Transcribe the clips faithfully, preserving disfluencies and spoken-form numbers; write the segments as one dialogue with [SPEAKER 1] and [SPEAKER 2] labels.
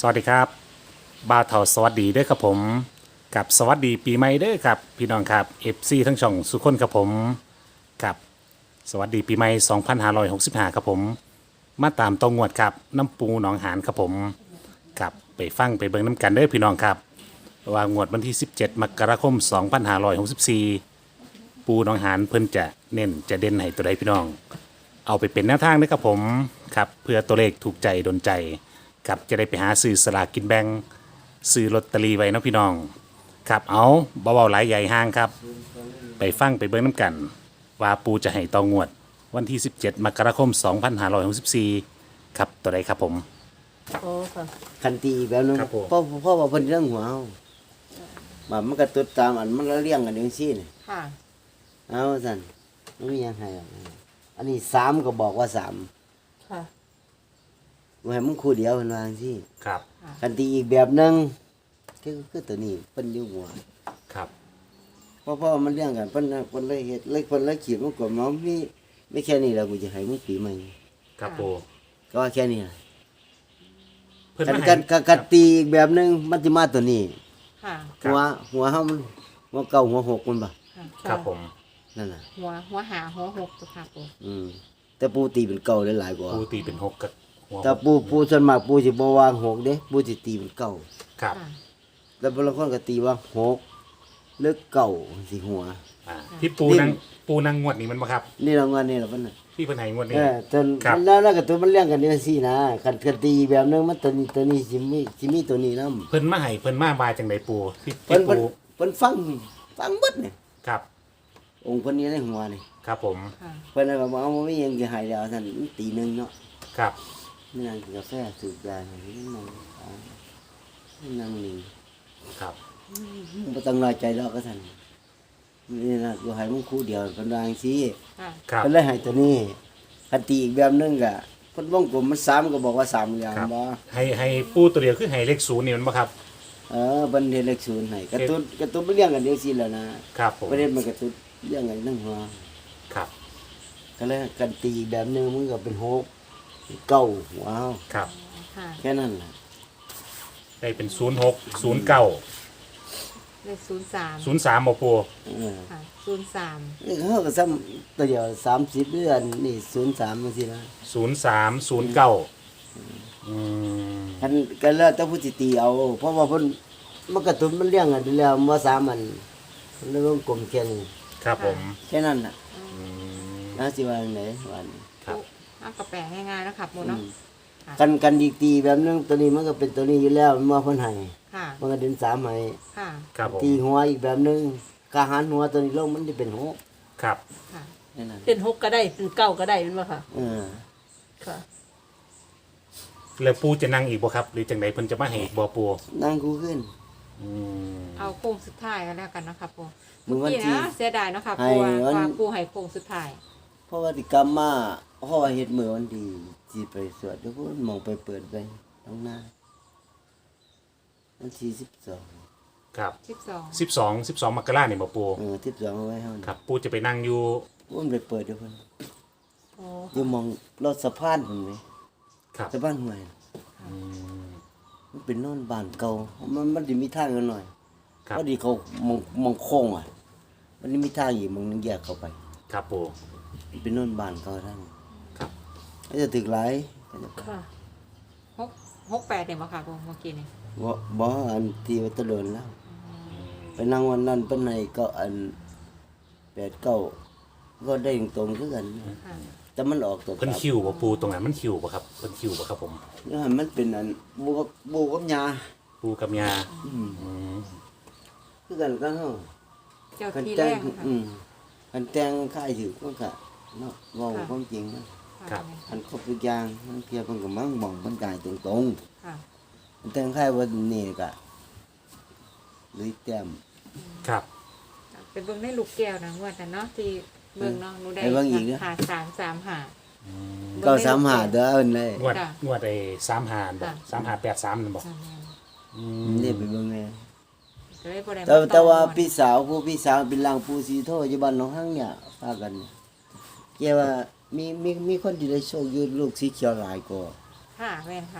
[SPEAKER 1] สวัสดีครับบ่าวเถาสวัสดีเด้อครับผมกับสวัสดีปีใหม่เด้อครับพี่น้องครับ เอฟ ซี ทั้งช่องสุขคนครับผมกับสวัสดีปีใหม่สองพันห้าร้อยหกสิบห้าครับผมมาตามตองงวดครับน้ำปูหนองหานครับผมกับไปฟังไปเบิ่งน้ำกันเด้อพี่น้องครับว่างวดวันที่สิบเจ็ดมกราคมสองพันห้าร้อยหกสิบสี่ปูหนองหานเพิ่นจะเน้นจะเด่นให้ตัวใดพี่น้อง เอาไปเป็นแนวทางนะครับผมครับเพื่อตัวเลขถูกใจโดนใจครับจะได้ไปหาซื้อสลากกินแบ่งซื้อลอตเตอรี่ไว้เนาะพี่น้องครับเอาเบาๆหลายใหญ่ห้างครับไปฟังไปเบิ่งน้ำกัน ว่าปูจะให้ตองวดวันที่สิบเจ็ดมกราคมสองพันห้าร้อยหกสิบสี่ครับตัวใดครับผม
[SPEAKER 2] โอ้ค่ะ
[SPEAKER 3] คันตีแบบนึง
[SPEAKER 1] ครับผม
[SPEAKER 3] เพราะเพราะว่าเพิ่นเรื่องหัวเฮาแบบมันก็ตุดตามอันมันละเลี้ยงกันจังซี่นี่
[SPEAKER 2] ค่ะ
[SPEAKER 3] เอาซั่นมันมีหยังให้หรอกอันนี้สามก็บอกว่าสาม
[SPEAKER 2] ค่ะ
[SPEAKER 3] บ่ให้มึงคู่เดียวเพิ่นว่าจังซี่
[SPEAKER 1] ครับ
[SPEAKER 3] คันตีอีกแบบนึงคือคือตัวนี้เพิ่นอยู่หัว
[SPEAKER 1] ครับ
[SPEAKER 3] เพราะเพราะว่ามันเลี้ยงกันเพิ่นน่ะเพิ่นเลยเฮ็ดเลยเพิ่นเลยขีดมันกดมามีไม่แค่นี้แล้วกูจะให้มึงปีใหม่
[SPEAKER 1] ครับปู
[SPEAKER 3] ก็ว่าแค่นี้ล่ะ
[SPEAKER 1] เพิ่น
[SPEAKER 3] กัน
[SPEAKER 1] มา
[SPEAKER 3] กั
[SPEAKER 1] ให้
[SPEAKER 3] นกันกันตีอีกแบบนึงมันสิมาตัวนี้
[SPEAKER 2] ค่ะ
[SPEAKER 1] ครับ
[SPEAKER 3] หัวหัวเฮามันหัวเก่าหัวหกมันบ่
[SPEAKER 2] ค่ะ
[SPEAKER 1] ครับผม
[SPEAKER 3] นั่นน่ะ
[SPEAKER 2] หัวหัวหาหัวหกตัวค่ะปู
[SPEAKER 3] อืมแต่ปูตีเป็นเก่าได้หลายกว่า
[SPEAKER 1] ปูตีเป็นหกกับหัว
[SPEAKER 3] แต่ปูปูส่วนมากปูสิบ่วางหกเด้ปูสิตีเป็นเก่า
[SPEAKER 1] ครับ
[SPEAKER 2] ค่ะ
[SPEAKER 3] แล้วบางคนก็ตีว่าหกหรือเก่าสิหัว
[SPEAKER 1] อ่าที่ปูนั่งปูนั่งงวดนี้มันบ่ครับ
[SPEAKER 3] นี่รางวัลนี่ล่ะเพิ่นน่ะ
[SPEAKER 1] ที่เพิ่นให้งวดนี้
[SPEAKER 3] เออจน
[SPEAKER 1] ครับ
[SPEAKER 3] มันแล้วแล้วก็ตัวมันเลี้ยงกันจังซี่นะคันคันตีแบบนึงมันตัวนี้ตัวนี้สิมีสิมีตัวนี้นำ
[SPEAKER 1] เพิ่นมาให้เพิ่นมาบายจังไดปูที่
[SPEAKER 3] เพิ่
[SPEAKER 1] ที่
[SPEAKER 3] นเพิ่น
[SPEAKER 1] ปู
[SPEAKER 3] เพิ่นฟังฟังเบิดนี่
[SPEAKER 1] ครับ
[SPEAKER 3] องค์เพิ่นนี่ในหัวนี่
[SPEAKER 1] ครับผม
[SPEAKER 2] ค่ะ
[SPEAKER 3] เพิ่นน่ะก็บอกเอาบ่มีหยังสิให้แล้วซั่นมันตีหนึงเนาะ
[SPEAKER 1] ครับ
[SPEAKER 3] นี่นั่งกินกาแฟสูบยานี่นั่งอ่านั่งนิ่ง
[SPEAKER 1] ครับ
[SPEAKER 3] บ่ต้องน้อยใจดอกก็ซั่นนี่นะกูให้มึงคู่เดียวเพิ่นว่าจังซี่
[SPEAKER 2] ค่ะ
[SPEAKER 1] ครับ
[SPEAKER 3] เพิ่นเลยให้ตัวนี้คันตีอีกแบบนึงก็เพิ่นวงกลมมันสามก็บอกว่าสามอย่าง
[SPEAKER 1] ครับ
[SPEAKER 3] บ่
[SPEAKER 1] ให้ให้ปูตัวเดียวคือให้เลขศูนย์นี่มันบ่ครับ
[SPEAKER 3] เออเพิ่นเฮ็ดเลขศูนย์ให้กระตุ้นกระตุ้นมันเลี้ยงกันจังซี่แหล้วนะครับ
[SPEAKER 1] ผม
[SPEAKER 3] ประเด็นมันกระตุ้นเลี้ยงกันทั้งหัว
[SPEAKER 1] ครับ
[SPEAKER 3] ก็เลยกันตีอีกแบบนึงมันก็เป็นหกเก้าว้าว
[SPEAKER 1] ครับ
[SPEAKER 2] ค่ะ
[SPEAKER 3] แค่นั้นล่ะ
[SPEAKER 1] ได้เป็นศูนย์หกศูนย์เก้า
[SPEAKER 2] เลขศูนย์สาม
[SPEAKER 1] ศูนย์สามบ่ปู
[SPEAKER 3] เออ
[SPEAKER 2] ค่ะศูนย์สาม
[SPEAKER 3] นี่เขาก็ซ้ำตัวเดียวสามสิบเดือนนี่ศูนย์สามมันสินะ
[SPEAKER 1] ศูนย์สามศูนย์เก้าอืม
[SPEAKER 3] กันกันแล้วแต่ผู้สิตีเอา เพราะว่าเพิ่นมันกระตุ้นมันเลี้ยงกันอยู่แล้วมาสามอันมันเลยวงกลมแค่นี้
[SPEAKER 1] ครับผม
[SPEAKER 3] แค่นั้นน่ะ
[SPEAKER 1] อืม
[SPEAKER 3] น่าสิว่าจังไดว่านี่
[SPEAKER 1] ครับ
[SPEAKER 2] เอากระแปะง่ายๆนะครับปูเนาะ
[SPEAKER 3] กันกันดีตีแบบนึงตัวนี้มันก็เป็นตัวนี้อยู่แล้วมันมาเพิ่นให้
[SPEAKER 2] ค่ะ
[SPEAKER 3] มันก็เดินสามให้
[SPEAKER 2] ค่ะ
[SPEAKER 1] ครับผม
[SPEAKER 3] ตีหัวอีกแบบนึงกาหันหัวตัวนี้ลงมันจะเป็นหก
[SPEAKER 1] ครับ
[SPEAKER 2] ค่ะ
[SPEAKER 3] แค่นั้น
[SPEAKER 4] เป็นหกก็ได้เป็นเก้าก็ได้แมันบ่ค่ะ
[SPEAKER 3] เออ
[SPEAKER 4] ค่ะ
[SPEAKER 1] แล้วปูจะนั่งอีกบ่ครับ หรือจังไดเพิ่นจะมาให้อีกบ่ปู
[SPEAKER 3] นั่งกูขึ้น
[SPEAKER 1] อืม
[SPEAKER 2] เอาโค้งสุดท้ายกันแล้วกันนะครับปู
[SPEAKER 3] มึงวัน
[SPEAKER 2] นี่
[SPEAKER 3] ที่
[SPEAKER 2] นะเสียดายเนาะค่ะ
[SPEAKER 3] ให้
[SPEAKER 2] ปูว่า
[SPEAKER 3] วัน
[SPEAKER 2] ว่าปูให้โค้งสุดท้าย
[SPEAKER 3] เพราะว่าติกรรมมาเพราะว่าเฮ็ดมือวันดีสิไปสวดแล้วก็มองไปเปิดไปตรงหน้าวันที่สิบสอง
[SPEAKER 1] ครับ
[SPEAKER 2] สิบสอง
[SPEAKER 1] สิบสองสิบสองมกราเนี่ยบ่ปู
[SPEAKER 3] เออสิบสองเอาไว้เฮา
[SPEAKER 1] ครับ ปูจะไปนั่งอยู่
[SPEAKER 3] ผมไปเปิดเดี๋ยวเพิ่น
[SPEAKER 2] โอ้
[SPEAKER 3] อยู่มองรถสะพานพุ่นเว้ย
[SPEAKER 1] ครับ
[SPEAKER 3] สะพานห้วย
[SPEAKER 1] อืม
[SPEAKER 3] มันเป็นโน่นบ้านเก่ามันมันสิมีทางกันหน่อย
[SPEAKER 1] ครับ
[SPEAKER 3] พอดีเขามองมองโค้งอ่ะ มันมีทางอยู่มองนึงแยกเข้าไป
[SPEAKER 1] ครับปู
[SPEAKER 3] มันเป็นโน่นบ้านเก่าทาง
[SPEAKER 1] ครับ
[SPEAKER 3] ก็จะถึกหลายก็จะ
[SPEAKER 4] ค่ะ
[SPEAKER 2] หกหกแปดเนี่ยมาค่ะปูเมื่อกี้นี่
[SPEAKER 3] บ่บ่อันที่ว่าตะโดนแล้ว ไปนั่งวันนั้นเพิ่นให้ก็อันแปดเก้าก็ได้ตรงๆคือกัน
[SPEAKER 2] ค่ะ
[SPEAKER 3] แต่มันออกตัว
[SPEAKER 1] เพิ่นคิวบ่ปูตรงนั้นมันคิวบ่ครับเพิ่นคิวบ่ครับผม
[SPEAKER 3] นี่มันเป็นอันบูกับบูกับยา
[SPEAKER 1] ปูกับยา
[SPEAKER 3] อืม
[SPEAKER 1] อืม
[SPEAKER 3] คือกันก็เฮา
[SPEAKER 2] เจ้า
[SPEAKER 3] คัน
[SPEAKER 2] ที่
[SPEAKER 3] แต่
[SPEAKER 2] แรง งค่ะ
[SPEAKER 3] อืมคันแต่งค่ายถือก็ก็เนาะเว้า
[SPEAKER 2] ค่ะ
[SPEAKER 3] ความจริงนะ
[SPEAKER 1] ครับ
[SPEAKER 3] คันครบทุกอย่างมันเพียเพิ่นก็มั่งมองเพิ่นกายตรง
[SPEAKER 2] ค่ะ
[SPEAKER 3] ๆคันแต่งค่ายวันนี้ก็ลุยแต้ม
[SPEAKER 1] ครับ
[SPEAKER 2] ไปเบิ่งในลูกแก้วนะงวดนั้นเนาะที่เบิ่งเนาะหนูได้
[SPEAKER 3] ไปเบิ่งอีกเด้อ
[SPEAKER 2] หาสามสามหา
[SPEAKER 3] เก้าสามห้าเด้อเอิ้นเลย
[SPEAKER 1] งวด
[SPEAKER 2] จ้ะ
[SPEAKER 1] งวดไอ้สามหาบ่
[SPEAKER 2] จ้ะ
[SPEAKER 1] สามหาแปดสามนั่นบ่
[SPEAKER 2] นั่นแหละ
[SPEAKER 1] อืม
[SPEAKER 3] นี่ไปเบิ่งแน่
[SPEAKER 2] ก็เลยบ่ได้
[SPEAKER 3] แต่
[SPEAKER 2] ม
[SPEAKER 3] แต่ว่า
[SPEAKER 2] องวด
[SPEAKER 3] พี่สาวผู้พี่สาวเป็นลางผู้สีโทอยู่บ้านหนองหังเนี่ยพากันเนี่ยแกว่ามีมีมีคนที่ได้โชคอยู่ลูกสีเขียวหลายกว่า
[SPEAKER 2] ค่ะแม่นค่ะ
[SPEAKER 1] อ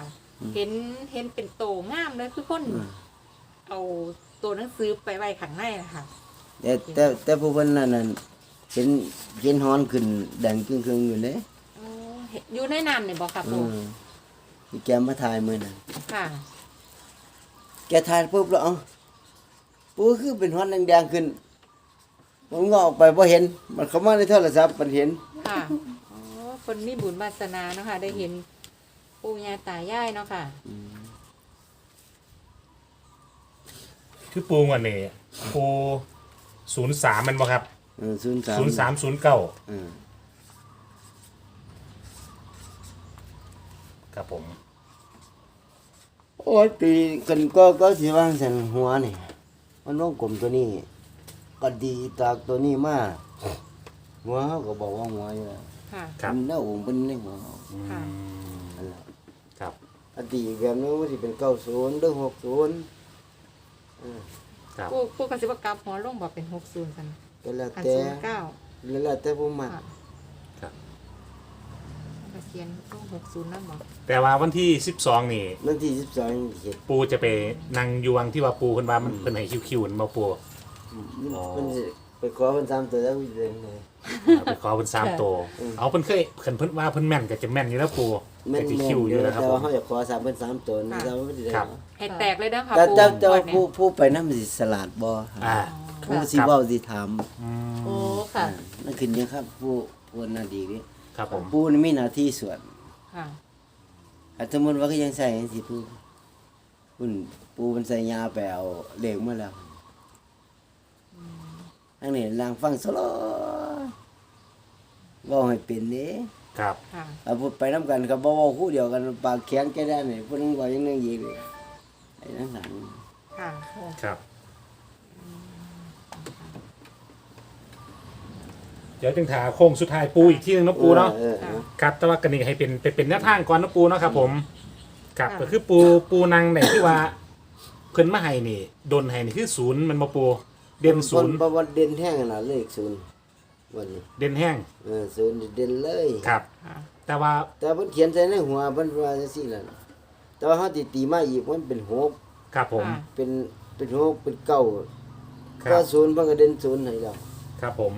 [SPEAKER 2] เห็นเห็นเป็นโตงามเลยคือคน
[SPEAKER 3] อืม
[SPEAKER 2] เอาตัวหนังสือไปไว้ข้างในนะคะ
[SPEAKER 3] แต่แต่แต่ผู้เพิ่นนั่นน่ะเห็นเห็นฮ้อนขึ้นแดงครึ่งๆอยู่เลย
[SPEAKER 2] โอ้เห็นอยู่ในนั้นเนี่ยบอกค่ะ
[SPEAKER 3] อื
[SPEAKER 2] ปู
[SPEAKER 3] มที่แกมาถ่ายมื้อนั้น
[SPEAKER 2] ค่ะ
[SPEAKER 3] แกถ่ายปุ๊บแล้วเอ้าปูคือเป็นฮ้อนแดงๆขึ้นผมงอกออกไปบ่เห็น มันเข้ามาในโทรศัพท์มันเห็น
[SPEAKER 2] ค่ะอ๋อคนมีบุญวาสนาเนาะค่ะ ได้เห็นปู่ย่าตายายเนาะค่ะ
[SPEAKER 1] คือปูวันนี้ปูศูนย์สามมันบ่ครับ
[SPEAKER 3] เออศูนย์สาม
[SPEAKER 1] ศูนย์สามศูนย์เก้า
[SPEAKER 3] เออ
[SPEAKER 1] ครับผม
[SPEAKER 3] โอ้ยตีกันก็ก็สิว่าซั่นหัวนี่มันวงกลมตัวนี้ ก็ดีจากตัวนี้มาหัวเขาก็บอกว่าหัวอยู่แล้ว
[SPEAKER 2] ค่ะ
[SPEAKER 1] ครับ
[SPEAKER 3] มันเน่าองค์เป็นในหัวเขา
[SPEAKER 2] ค่ะ
[SPEAKER 3] อันนั้น
[SPEAKER 1] ครับ
[SPEAKER 3] อดีตแบบนั้นมันสิเป็นเก้าศูนย์หรือหกศูนย์
[SPEAKER 1] ครับ
[SPEAKER 2] ปู่ปู่กสิบกลับหัวลงบอกเป็นหกศูนย์กัน
[SPEAKER 3] ก็แล้ว
[SPEAKER 2] อัน
[SPEAKER 3] แต่
[SPEAKER 2] ศูนย์เก้า
[SPEAKER 3] แล้วแต่ผู้มัก
[SPEAKER 2] ค่ะ
[SPEAKER 1] ครับ
[SPEAKER 2] มาเขียนลงหกศูนย์นั่นบอก
[SPEAKER 1] แต่ว่าวันที่สิบสองนี่
[SPEAKER 3] วันที่สิบสองเห็ด
[SPEAKER 1] ปูจะไปนั่งยวงที่ว่าปูเพิ่นว่ามันเพิ่นให้คิวๆนั่นบ่ปู อ๋อ
[SPEAKER 3] มันสิไปขอเพิ่นสามตัวแล้วอยู่เลย
[SPEAKER 1] เอาไปขอเพิ่นสามโตวเอาเพิ่นเคยเพิ่นเพิ่นว่าเพิ่นแม่นก็จะแม่นอยู่แล้วปู
[SPEAKER 3] แม่
[SPEAKER 1] ก็
[SPEAKER 3] น
[SPEAKER 1] จะ
[SPEAKER 3] แม่น
[SPEAKER 1] คิวอ
[SPEAKER 3] อยู่ ยู่
[SPEAKER 1] แล้วครับ
[SPEAKER 3] แต่
[SPEAKER 1] ผ
[SPEAKER 3] ว่าม เขาอยากขอสามเพิ่นสามตัวนี่แต่ว่าไม่ได้
[SPEAKER 1] ครับ
[SPEAKER 2] ให้แตกเลยเด้อค่ะ
[SPEAKER 3] แต่
[SPEAKER 2] ปู่
[SPEAKER 3] แต่แต่
[SPEAKER 2] งว
[SPEAKER 3] ว่า
[SPEAKER 2] ด
[SPEAKER 3] ผู้
[SPEAKER 2] นี้
[SPEAKER 3] ผู้ไปนำสิสลัดบ่
[SPEAKER 1] อ่า
[SPEAKER 3] ผู้สิเว้าสิถาม
[SPEAKER 4] โอ้ค่ะ
[SPEAKER 3] นั่นขึ้นอยู่ครับผู้ผู้น่าดีนี่
[SPEAKER 1] ครับผม
[SPEAKER 3] ผู้นี่มีหน้าที่สวด
[SPEAKER 2] ค่ะ
[SPEAKER 3] ถ้าสมมุติว่าก็ยังใส่จังซี่ผู้ผู้ผู้มันใส่ยาไปเอาเลขมาแล้วอันนี้ลางฟังสโลเว้าให้เป็นเด้
[SPEAKER 1] ครับ
[SPEAKER 2] ค่ะ
[SPEAKER 3] เอาพูดไปน้ำกันครับบ่เว้าคู่เดียวกันปากแข็งแก่ได้นี่เพิ่นว่าอย่างนึงอีกเลยไอ้นั่นนั่น
[SPEAKER 2] ค่ะ
[SPEAKER 1] ครับ เดี๋ยวจึงถาโค้งสุดท้ายปูอีกที่หนึงเนาะปูเนาะ
[SPEAKER 3] ออออ
[SPEAKER 1] ครับแต่ว่ากันนี่ให้เป็นเป็นเป็นแนวทางก่อนเนาะปูเนาะครับผมครับ
[SPEAKER 2] ค่ะ
[SPEAKER 1] ก็คือปูปูนางเนี่ยที่ว่าเพิ่นมาให้นี่ดนให้นี่คือศูนย์มันบ่ปูเด่นศูนย์
[SPEAKER 3] บ่บ่เด่นแห้งน่ะเลขศูนย์วันนี้
[SPEAKER 1] เด่นแห้ง
[SPEAKER 3] เออศูนย์เด่นเลย
[SPEAKER 1] ครับ
[SPEAKER 2] ค่ะ
[SPEAKER 1] แต่ว่า
[SPEAKER 3] แต่เพิ่นเขียนใส่ในหัวเพิ่นว่าจังซี่ล่ะแต่ว่าเฮาสิตีมาอีกมันเป็นหก
[SPEAKER 1] ครับผม
[SPEAKER 2] ค่ะ
[SPEAKER 3] เป็นเป็นหกเป็นเก้า
[SPEAKER 1] ค
[SPEAKER 3] ก็
[SPEAKER 1] รับ
[SPEAKER 3] ศูนย์เพิ่นก็เด่นศูนย์ให้แล้ว
[SPEAKER 1] ครับผม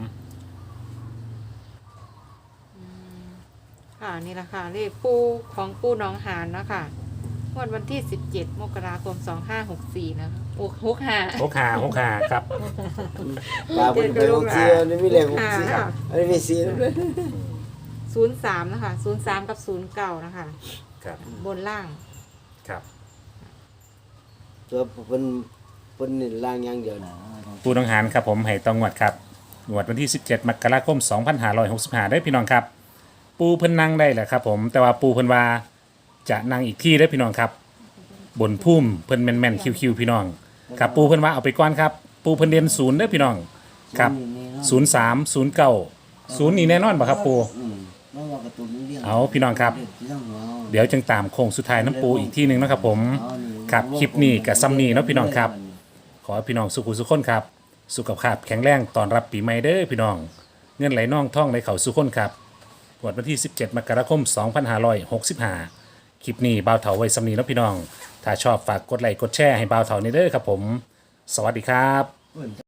[SPEAKER 2] ค่ะนี่แหละค่ะเลขปูของปูหน้องหานเนาะค่ะงวดวันที่สิบเจ็ดมกราคมสองห้าหกสี่นะคะโอ้หกห้า
[SPEAKER 1] หกหาหกหาครับ
[SPEAKER 3] ปากเพิ่นเป็นหกสี่อันนี้มีเลขหกสี่
[SPEAKER 2] ค่ะ
[SPEAKER 3] อันนี้มีสี่ด้วย
[SPEAKER 2] ศูนย์สามนะคะศูนย์สามกับศูนย์เก้านะคะ
[SPEAKER 1] ครับ
[SPEAKER 2] บนล่าง
[SPEAKER 1] ครับ
[SPEAKER 3] ตัวเพิ่นเพิ่นนี่ล่างอย่างเดียวนะ
[SPEAKER 1] ปูน้องหานครับผมให้ต้องงวดครับงวดวันที่สิบเจ็ดมกราคมสองพันห้าร้อยหกสิบห้าได้พี่น้องครับ ปูเพิ่นนั่งได้แหละครับผมแต่ว่าปูเพิ่นว่าจะนั่งอีกที่ได้อพี่น้องครับ บนพุ่มเพิ่นแม่นๆคิวๆพี่น้องครับปูเพิ่นว่าเอาไปก่อนครับ ปูเพิ่นเรียนศูนย์เด้อพี่น้องครับศูนย์สามศูนย์เก้าศูนย์นี่แน่นอนป่ะครับปู
[SPEAKER 3] อืมบ่ว่าการะตูนเรื่อง
[SPEAKER 1] เอาพี่น้องครับ
[SPEAKER 3] ที่ต้องหัวเอา
[SPEAKER 1] เดี๋ยวจึงตามโค้งสุดท้ายน้ำปูอีกที่หนึ่งนะครับผมครับคลิปนี้กับซัมนี่เนาะพี่น้องครับ ขอให้พี่น้องสุขุสุขคนครับ สุขภาพแข็งแรงตอนรับปีใหม่เด้อพี่น้อง เงินไหลน่องท่องไหลเข่าสุขคนครับวันที่สิบเจ็ดมกราคมสองพันห้าร้อยหกสิบห้าคลิปนี้บ่าวเถาไว้ซัมนี่เนาะพี่น้อง ถ้าชอบฝากกดไลค์กดแชร์ให้บ่าวเถาในเด้อครับผม สวัสดีครับ